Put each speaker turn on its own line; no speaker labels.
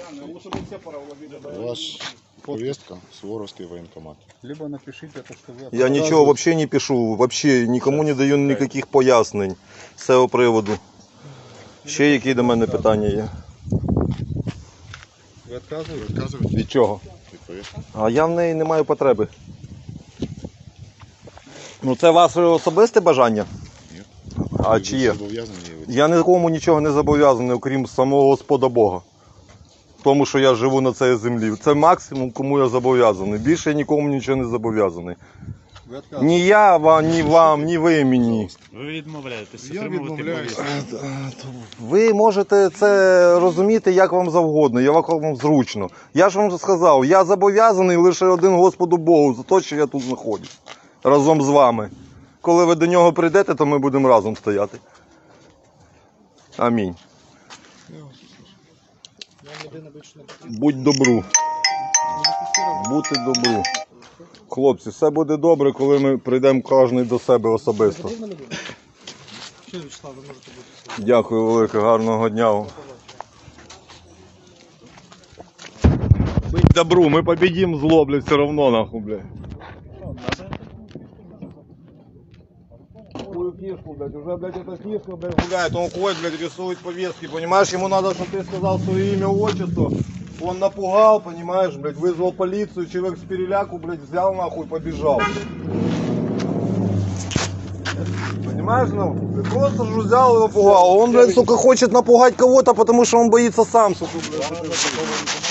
У вас повестка, Суворовский военкомат.
Либо напишите то, что вы...
Я нічого взагалі не пишу, взагалі нікому не даю ніяких пояснень з цього приводу. Ще які до мене питання є?
Ви відказуєте?
Відказуєте
Від чого?
від повестки?
А я в неї не маю потреби. Ну це ваше особисте бажання?
Ні.
А
Ви
чи є?
зобов'язані її
Я нікому нічого не зобов'язаний, окрім самого Господа Бога. Тому що я живу на цій землі. Це максимум, кому я зобов'язаний. Більше я нікому нічого не зобов'язаний.
Ви відказуєте?
Ні я вам, ні вам, ні ви мені.
Ви відмовляєтесь
Я
отримувати
відмовляюся.
повістку.
Ви можете це розуміти як вам завгодно, як вам зручно. Я ж вам сказав, я зобов'язаний лише один Господу Богу за те, що я тут знаходжусь. Разом з вами. Коли ви до нього прийдете, то ми будемо разом стояти. Амінь. Будь добру. Бути добру. Хлопці, все буде добре, коли ми прийдемо кожен до себе особисто. Дякую велике, гарного дня вам. Будь добру, ми победим зло, блядь, все равно, нахуй, блядь. Такую фишку, блядь, уже, блядь, эта фишка, блядь, гуляет, он ходит, блядь, рисует повестки, понимаешь, ему надо, чтобы ты сказал свое имя, отчество, он напугал, понимаешь, блядь, вызвал полицию, человек с переляку, блядь, взял, нахуй, побежал. Понимаешь, ну, ты просто же взял и напугал, он, блядь, сука, хочет напугать кого-то, потому что он боится сам, сука, блядь.